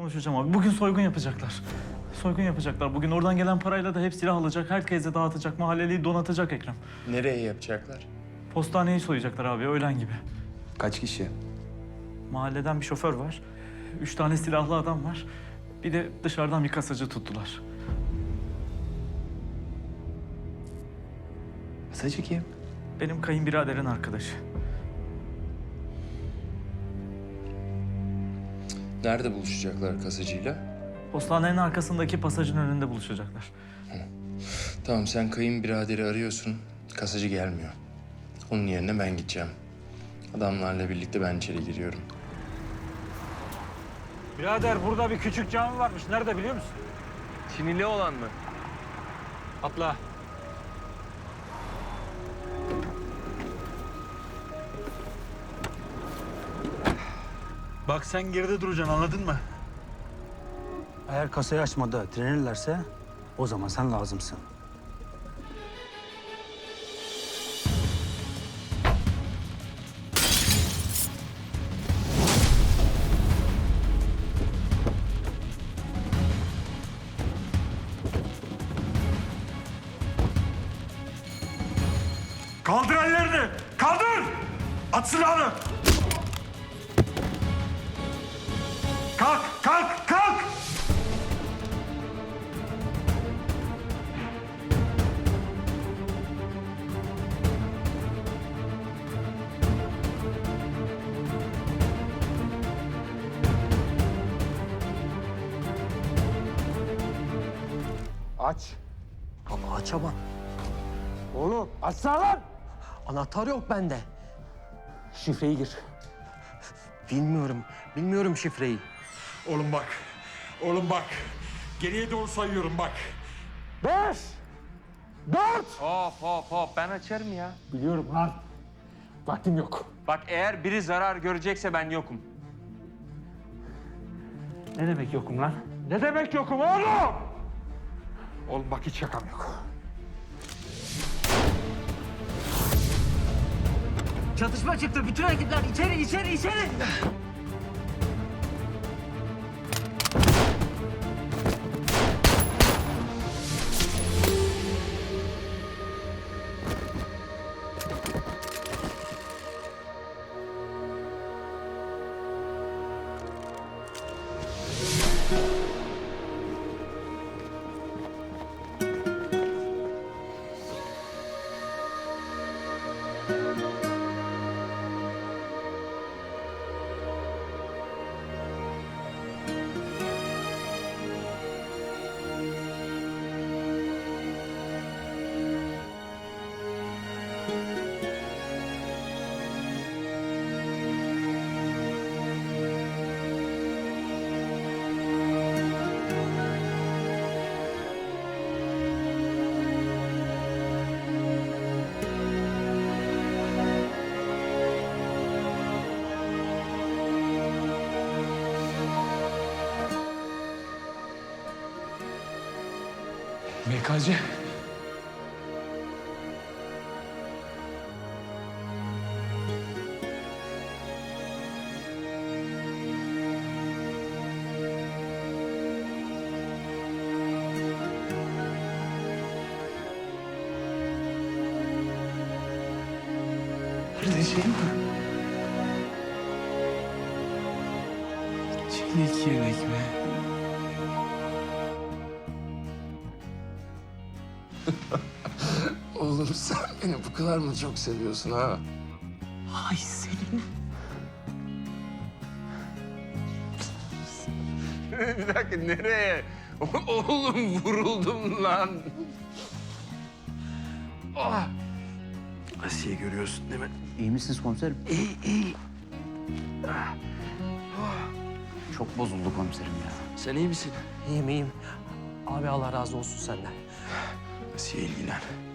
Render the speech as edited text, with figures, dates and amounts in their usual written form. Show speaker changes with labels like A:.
A: Konuşacağım abi. Bugün soygun yapacaklar. Soygun yapacaklar. Bugün oradan gelen parayla da hep silah alacak. Herkese dağıtacak. Mahalleliyi donatacak Ekrem.
B: Nereye yapacaklar?
A: Postaneyi soyacaklar abi öğlen gibi.
C: Kaç kişi?
A: Mahalleden bir şoför var. 3 tane silahlı adam var. Bir de dışarıdan bir kasacı tuttular.
C: Kasacı kim?
A: Benim kayınbiraderin arkadaşı.
B: Nerede buluşacaklar kasacıyla?
A: Postanenin arkasındaki pasajın önünde buluşacaklar.
B: Tamam, sen kayınbiraderi arıyorsun. Kasacı gelmiyor. Onun yerine ben gideceğim. Adamlarla birlikte ben içeri giriyorum.
D: Birader burada bir küçük cami varmış. Nerede biliyor musun?
E: Çinili olan mı?
D: Atla. Bak sen geride duracaksın anladın mı?
F: Eğer kasayı açmada direnirlerse o zaman sen lazımsın.
D: Kaldır ellerini! Kaldır! At silahını! Kalk! Kalk! Kalk!
F: Aç.
E: Ama açamam.
F: Oğlum açsana lan!
E: Anahtar yok bende.
F: Şifreyi gir.
E: Bilmiyorum şifreyi.
D: Oğlum bak. Oğlum bak. Geriye doğru sayıyorum bak.
F: 5, 4.
E: Hop ben açarım ya.
F: Biliyorum lan. Vaktim yok.
E: Bak eğer biri zarar görecekse ben yokum.
F: Ne demek yokum lan?
D: Ne demek yokum oğlum? Oğlum bak hiç şakam yok.
G: Çatışma çıktı. Bütün ekipler içeri.
C: MKC. Kardeşim. Çelik yelek mi?
B: Oğlum sen beni bu kadar mı çok seviyorsun ha?
G: Ay senin.
E: Bir dakika nereye? Oğlum vuruldum lan. Ah.
C: Asiye görüyorsun değil mi?
F: İyi misiniz komiserim?
E: İyi.
F: Çok bozuldu komiserim ya.
C: Sen iyi misin?
G: İyiyim. Abi Allah razı olsun senden.
C: Asiye ilgilen.